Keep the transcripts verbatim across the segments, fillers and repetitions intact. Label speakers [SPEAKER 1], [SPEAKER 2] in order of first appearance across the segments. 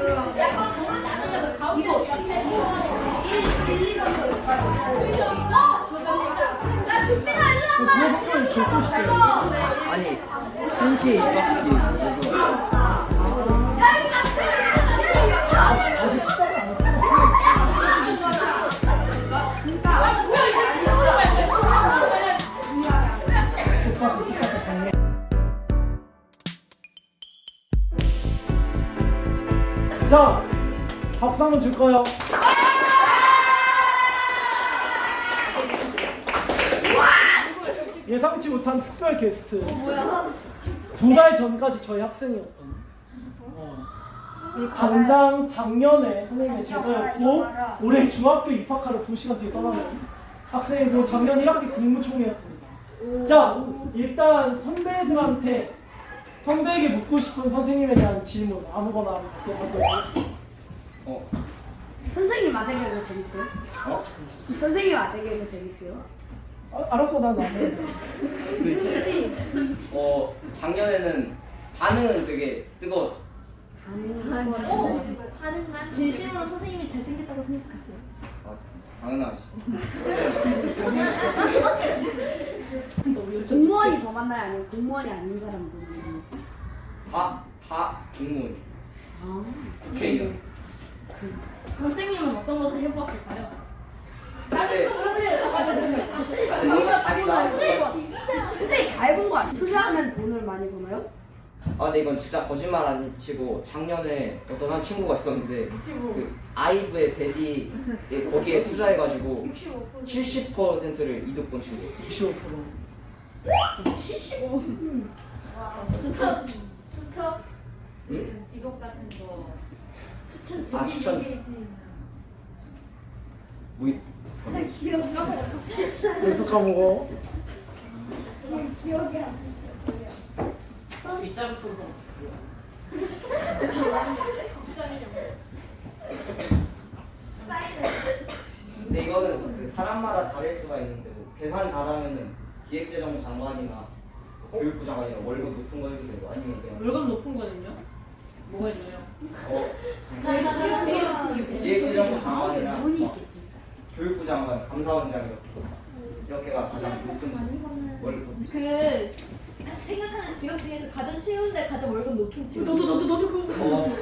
[SPEAKER 1] 이거 일, 이 정도 야 준비가 일로 와봐.
[SPEAKER 2] 아니 천시 빡기
[SPEAKER 3] 자, 박수 한번 줄까요? 예상치 못한 특별 게스트. 두 달 전까지 저희 학생이었던. 어. 당장 작년에 선생님의 제자였고 올해 중학교 입학하러 두 시간 뒤에 떠나는 학생이고 작년 일 학기 국무총리였습니다. 자, 일단 선배들한테 선배에게 묻고 싶은 선생님에 대한 질문 아무거나 받도록
[SPEAKER 2] 어?
[SPEAKER 1] 선생님 아재 개그 재밌어요?
[SPEAKER 2] 어?
[SPEAKER 1] 선생님 아재 개그 재밌어요?
[SPEAKER 3] 아, 알았어, 난 나는.
[SPEAKER 2] 어 작년에는 반응은 되게 뜨거웠어.
[SPEAKER 1] 어? 진심으로 선생님이 잘생겼다고 생각했어요.
[SPEAKER 2] 아, 당연하지.
[SPEAKER 1] 공무원이 더 많나요? 아니면 공무원이 아닌 사람도 많나요?
[SPEAKER 2] 다, 다 공무원.
[SPEAKER 1] 아,
[SPEAKER 2] 국회의원.
[SPEAKER 4] 선생님은 어떤 것을 해보았을까요?
[SPEAKER 2] 근데 진짜 다리가
[SPEAKER 1] 선생님 다 해본 거 아니에요? 투자하면 돈을 많이 버나요?
[SPEAKER 2] 아 근데 이건 진짜 거짓말 안 치고 작년에 어떤 한 친구가 있었는데 그 아이브의 베디 거기에 투자해가지고 칠십 퍼센트를 이득 본 친구.
[SPEAKER 3] 육십오 퍼센트.
[SPEAKER 1] 칠십오.
[SPEAKER 4] 추천, 추천
[SPEAKER 2] 응?
[SPEAKER 4] 직업 같은 거.
[SPEAKER 1] 추천
[SPEAKER 2] 아 추천. 뭐 이-
[SPEAKER 3] 벌써 까먹어.
[SPEAKER 1] 기억이 안
[SPEAKER 2] 근데 이거는 그 사람마다 다를 수가 있는데 뭐 계산 잘하면은 기획재정부 장관이나 교육부 장관이나 월급 높은 거 해도 되고 아니면 그냥
[SPEAKER 4] 월급 높은 거는요? 뭐가 있나요?
[SPEAKER 2] 어
[SPEAKER 1] 나.
[SPEAKER 2] 기획재정부 장관이나
[SPEAKER 1] 돈이
[SPEAKER 2] 막
[SPEAKER 1] 있겠지.
[SPEAKER 2] 교육부 장관, 감사원장 이렇게 이렇게가 가장 높은 월급.
[SPEAKER 5] 그 생각하는 직업 중에서 가장 쉬운데 가장 월급 높은 직업.
[SPEAKER 4] 너도 너도 너도 그거.
[SPEAKER 2] 어,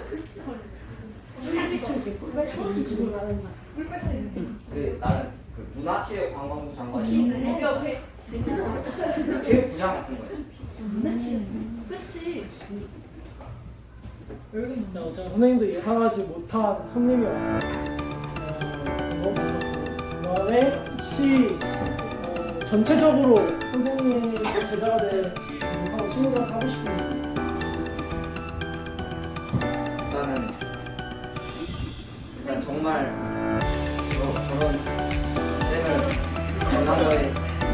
[SPEAKER 2] 그 나는 그 문화체육관광부 장관이랑
[SPEAKER 5] 옆에
[SPEAKER 2] 체육부장 같은 거야.
[SPEAKER 5] 그치.
[SPEAKER 3] 네, 어제 선생님도 예상하지 못한 손님이 왔어요. 어, 그다음에 혹시 어, 전체적으로 선생님 제자가 될 하고 친구들한테 하고 싶은 말.
[SPEAKER 2] 나는 일단 정말 저, 저런 쌤을 만난 거에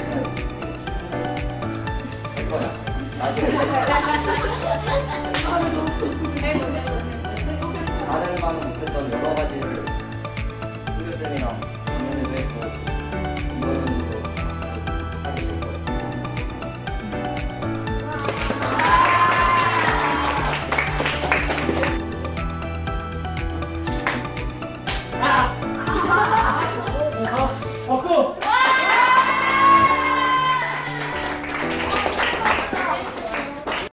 [SPEAKER 2] 할 거야. 나중에 다른 반은 못했던 여러 가지를 수교쌤이랑 작년에도 했고